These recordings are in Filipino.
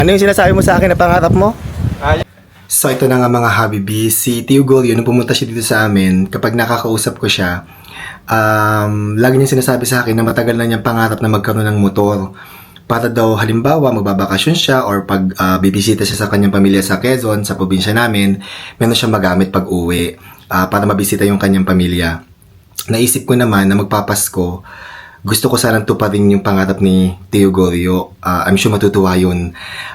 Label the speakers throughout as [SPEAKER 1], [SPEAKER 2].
[SPEAKER 1] Ano yung sinasabi mo sa akin na pangarap mo?
[SPEAKER 2] Ay,
[SPEAKER 1] So ito na nga mga Habibis, si Tio Golyo, nung pumunta siya dito sa amin, kapag nakakausap ko siya, lagi niya sinasabi sa akin na matagal na niyang pangarap na magkaroon ng motor. Para daw halimbawa magbabakasyon siya or pag bibisita siya sa kanyang pamilya sa Quezon, sa probinsya namin, meron siyang magamit pag uwi para mabisita yung kanyang pamilya. Naisip ko naman na magpapasko, gusto ko sanang tuparin yung pangarap ni Tio Golyo. I'm sure matutuwa yun.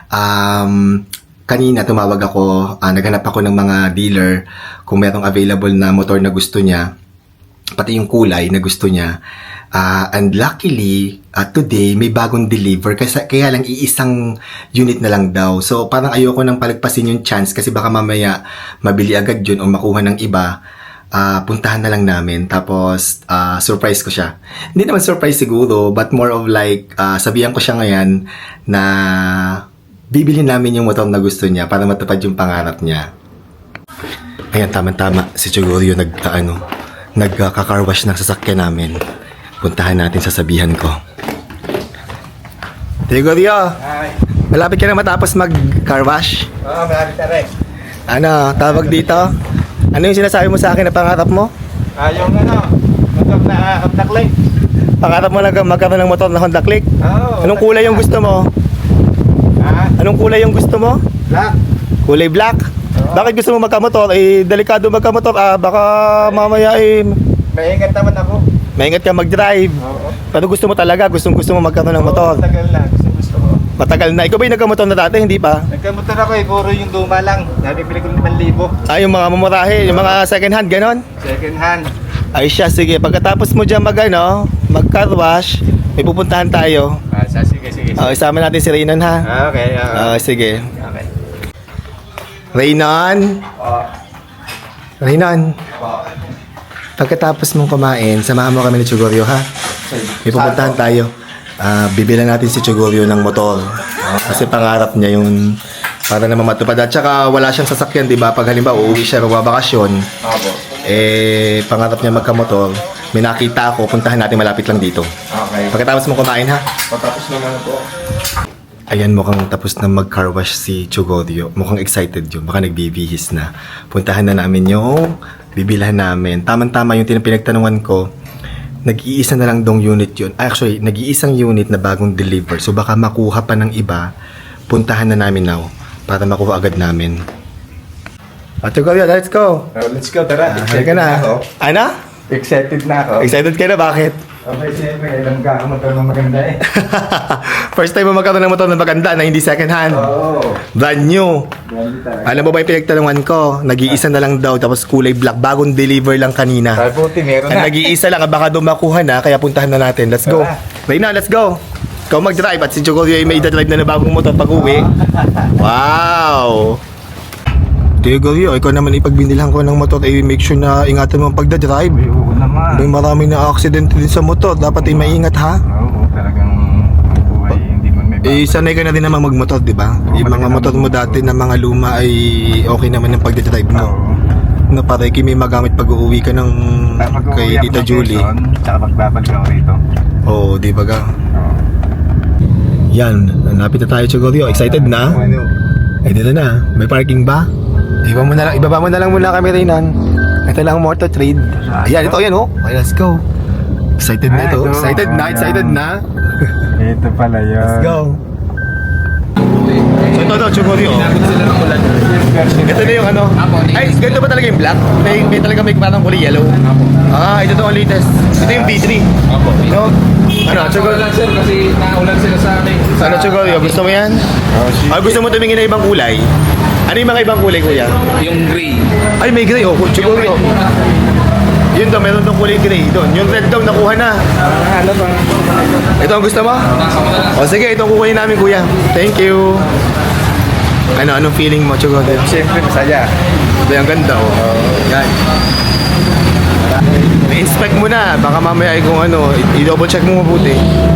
[SPEAKER 1] Kanina tumawag ako, naghanap ako ng mga dealer kung merong available na motor na gusto niya, pati yung kulay na gusto niya. And luckily, today may bagong deliver kasi kaya lang iisang unit na lang daw. So parang ayoko nang palagpasin yung chance kasi baka mamaya mabili agad yun o makuha ng iba. Puntahan na lang namin tapos surprise ko siya. Hindi naman surprise siguro but more of like sabihan ko siya ngayon na bibili namin yung motor na gusto niya para matupad yung pangarap niya. Ayan, tama-tama. Si Chugoryo nagka-car wash ng sasakyan namin. Puntahan natin, sasabihan ko. Chugoryo,
[SPEAKER 2] ay.
[SPEAKER 1] malapit ka na matapos mag-car wash?
[SPEAKER 2] Oo, malapit na rin.
[SPEAKER 1] Ano, tawag dito? Ano yung sinasabi mo sa akin na pangarap mo?
[SPEAKER 2] Yung motor na Honda Click.
[SPEAKER 1] Pangarap mo lang magkaroon ng motor na Honda Click?
[SPEAKER 2] Oo.
[SPEAKER 1] Anong kulay yung gusto mo? Anong kulay yung gusto mo?
[SPEAKER 2] Black.
[SPEAKER 1] Kulay black? Bakit gusto mo magkamotor? Delikado magkamotor. Baka mamaya
[SPEAKER 2] Maingat naman ako.
[SPEAKER 1] maingat ka mag-drive.
[SPEAKER 2] Oo.
[SPEAKER 1] Pero gusto mo talaga, gusto mo magkaroon ng motor.
[SPEAKER 2] Matagal na. Gusto ko.
[SPEAKER 1] Matagal na. Ikaw ba yung nagkamotor na dati? Hindi pa?
[SPEAKER 2] Nagkamotor ako puro yung luma lang. Nabibili ko 5,000.
[SPEAKER 1] Yung mga mamurahe, yung mga second hand, ganon?
[SPEAKER 2] Second hand.
[SPEAKER 1] Ay siya, sige. Pagkatapos mo dyan mag-car wash, may pupuntahan tayo.
[SPEAKER 2] Sige.
[SPEAKER 1] Isama natin si Raynon ha.
[SPEAKER 2] Okay.
[SPEAKER 1] Sige.
[SPEAKER 2] Okay.
[SPEAKER 1] Raynon! Raynon! Pagkatapos mong kumain, samahan mo kami ni Chugoryo ha. May pupuntahan tayo. Bibilan natin si Chugoryo ng motor. Kasi pangarap niya yung para naman matupad. At saka wala siyang sasakyan, di ba? Pag halimbawa uuwi siya magbabakasyon,
[SPEAKER 2] Opo.
[SPEAKER 1] pangarap niya magkamotor. May nakita ako, puntahan natin malapit lang dito.
[SPEAKER 2] Okay.
[SPEAKER 1] Pagkatapos mong kumain ha.
[SPEAKER 2] Patapos naman po.
[SPEAKER 1] Ayan, mukhang tapos na mag-car wash si Chugoryo. Mukhang excited yun. Baka nagbibihis na. Puntahan na namin yung bibilhan namin. Tamang-tama yung pinagtanungan ko. Nag-iisa na lang dong unit yun. Actually, nag-iisang unit na bagong deliver. So baka makuha pa ng iba. Puntahan na namin now para makuha agad namin. Chugoryo, let's go!
[SPEAKER 2] Let's go, tara.
[SPEAKER 1] Halika na.
[SPEAKER 2] Ako.
[SPEAKER 1] Ano?
[SPEAKER 2] Excited na ako.
[SPEAKER 1] Excited ka na? Bakit?
[SPEAKER 2] Okay, siyempre, alam ka ako magkaroon ng maganda eh.
[SPEAKER 1] First time mo magkaroon ng motor na maganda na hindi second hand.
[SPEAKER 2] Oo.
[SPEAKER 1] Brand new.
[SPEAKER 2] Ganda talaga.
[SPEAKER 1] Alam mo ba yung pinagtanungan ko? Nag-iisa na lang daw tapos kulay black. Bagong deliver lang kanina.
[SPEAKER 2] Ay, puti, meron
[SPEAKER 1] Ang
[SPEAKER 2] na.
[SPEAKER 1] nag-iisa lang, baka doon makuha na, kaya puntahan na natin. Let's go.
[SPEAKER 2] Tara.
[SPEAKER 1] Reyna, let's go. Ikaw mag-drive at si Chugoryo ay may drive na bagong motor pag uwi. Wow! Chugoryo, ikaw naman ipagbinilhan ko ng motor, make sure na ingatan mo ang pagdadrive.
[SPEAKER 2] Ay, oo naman.
[SPEAKER 1] May maraming na accident din sa motor. Dapat ay maingat ha.
[SPEAKER 2] Oo, talagang buhay, hindi man may
[SPEAKER 1] Sanay ka na din naman magmotor, di ba? Yung mga motor mo dati na mga luma ay okay naman ang pagdadrive mo.
[SPEAKER 2] Oo.
[SPEAKER 1] Na para may magamit pag uuwi ka ng kay Tita Julie.
[SPEAKER 2] Tsaka magbabalik ako rito.
[SPEAKER 1] Oo, di ba ga?
[SPEAKER 2] Oo.
[SPEAKER 1] Yan, napit na tayo, Chugoryo. Excited na?
[SPEAKER 2] Ano?
[SPEAKER 1] Ay, dito na. May parking ba? Ibaba mo na lang muna kami, Reynan. Ito lang ang motor trade. Ayan, ito, yan, oh. Okay, let's go. Excited na ito. Excited na.
[SPEAKER 2] Ito pala yun.
[SPEAKER 1] Let's go. So, ito, Chugoryo. Ito na yung ano. Ay, ganito ba talaga yung black? May talaga may parang kulay yellow. Ito to ang latest. Ito yung V3. No? Ano, Chugoryo?
[SPEAKER 3] Lang sir kasi naulan sila sa amin.
[SPEAKER 1] Ano, Chugoryo? Gusto mo yan? Gusto mo tumingin na ibang kulay? Ano yung mga ibang kulay, kuya?
[SPEAKER 3] Yung gray.
[SPEAKER 1] Ay, may gray. Oh, Chugoryo. Yun daw, meron tong kulay gray doon. Yung red daw, nakuha na.
[SPEAKER 2] Ano ba?
[SPEAKER 1] Ito ang gusto mo?
[SPEAKER 3] Nasa mo na lang.
[SPEAKER 1] O sige, itong kukunin namin, kuya. Thank you. Anong feeling mo, Chugoryo?
[SPEAKER 2] Siyempre, masaya.
[SPEAKER 1] Ito yung ganda, oh. Yan. I-inspect mo na. Baka mamaya ay kung ano, i-double check mo mabuti.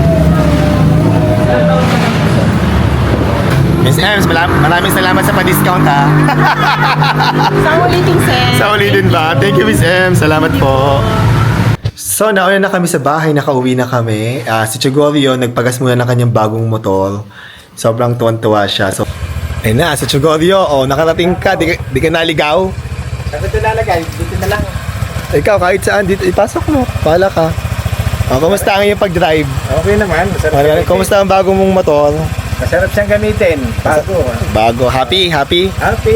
[SPEAKER 1] Miss Ems, maraming salamat sa pa-discount ha.
[SPEAKER 4] Sa ulitin, sir.
[SPEAKER 1] Sa ulitin ba? Thank you, Miss Ems. Salamat po. So, nauna na kami sa bahay, nakauwi na kami. Si Chugoryo, nagpagas muna ng kanyang bagong motor. Sobrang tuwan-tuwa siya. So, ayun na, sa Chogorio, nakarating ka, di ka naligaw.
[SPEAKER 2] Saan ito lalagay? Dito na lang.
[SPEAKER 1] Ikaw, kahit saan, dito, ipasok mo. Bahala ka. Kumusta ang iyong pag-drive?
[SPEAKER 2] Okay naman. Masarap gamitin.
[SPEAKER 1] Kumusta ang bago mong motor?
[SPEAKER 2] Masarap siyang gamitin. Bago.
[SPEAKER 1] Bago. Happy?
[SPEAKER 2] Happy.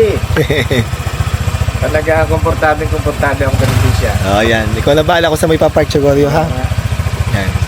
[SPEAKER 2] Talaga, komportable akong gamitin siya.
[SPEAKER 1] Yan. Ikaw na bahala kung sa may papark, Chogorio, ha? Yan.